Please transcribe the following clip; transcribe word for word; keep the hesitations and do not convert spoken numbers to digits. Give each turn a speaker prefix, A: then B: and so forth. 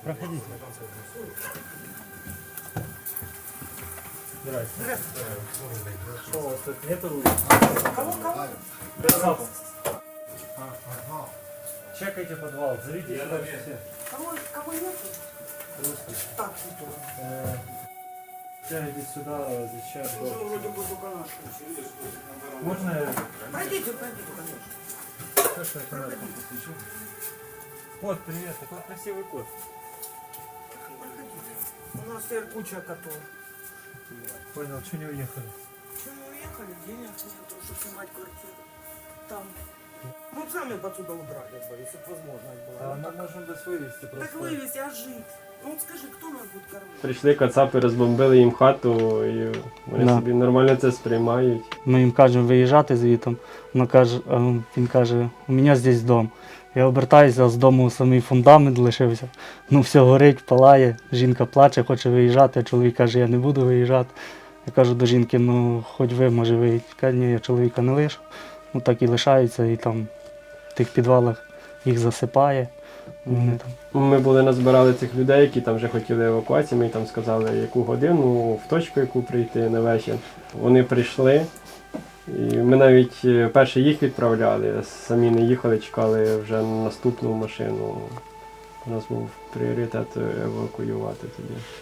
A: Проходите. Здрасте. Что, у вас тут нету руля?
B: Кого, кого?
A: Запах. Чекайте подвал, зовите сюда все.
B: Кого, кого нету?
A: Русский.
B: Так, нету.
A: Э, Тягайте сюда, защищать
B: Уже
A: дом.
B: вроде бы только наши.
A: Можно я...
B: Пройдите, пройдите, конечно.
A: Хорошо, я фонариком посвечу. Кот, привет, такой красивый кот.
B: У нас теперь куча котов.
A: Понял, что не уехали?
B: Че мы уехали? Денег нету, чтобы снимать квартиру. Там. Мы б сами бы отсюда удрали бы, если бы возможность была.
A: А
B: Ну,
A: мы
B: так,
A: можем без вывести просто.
B: так вывезти, а жить? Ну вот скажи, кто нас будет кормить?
C: Прийшли кацапи, розбомбили їм хату, і вони
D: Да.
C: собі нормально це сприймають.
D: Ми їм кажемо виїжджати звітом. Вона каже, а він каже, у мене здесь дом. Я обертаюся, а з дому самий фундамент лишився. Ну все горить, палає, жінка плаче, хоче виїжджати, а чоловік каже, я не буду виїжджати. Я кажу до жінки, ну хоч ви, може виїдь. Каже, ні, я чоловіка не лишу. Ну так і лишаються, і там в тих підвалах їх засипає. Вони там.
C: Ми були назбирали цих людей, які там вже хотіли евакуації, ми їм там сказали, яку годину, в точку, яку прийти на вечір. Вони прийшли, і ми навіть е, перше їх відправляли, самі не їхали, чекали вже на наступну машину. У нас був пріоритет евакуювати тоді.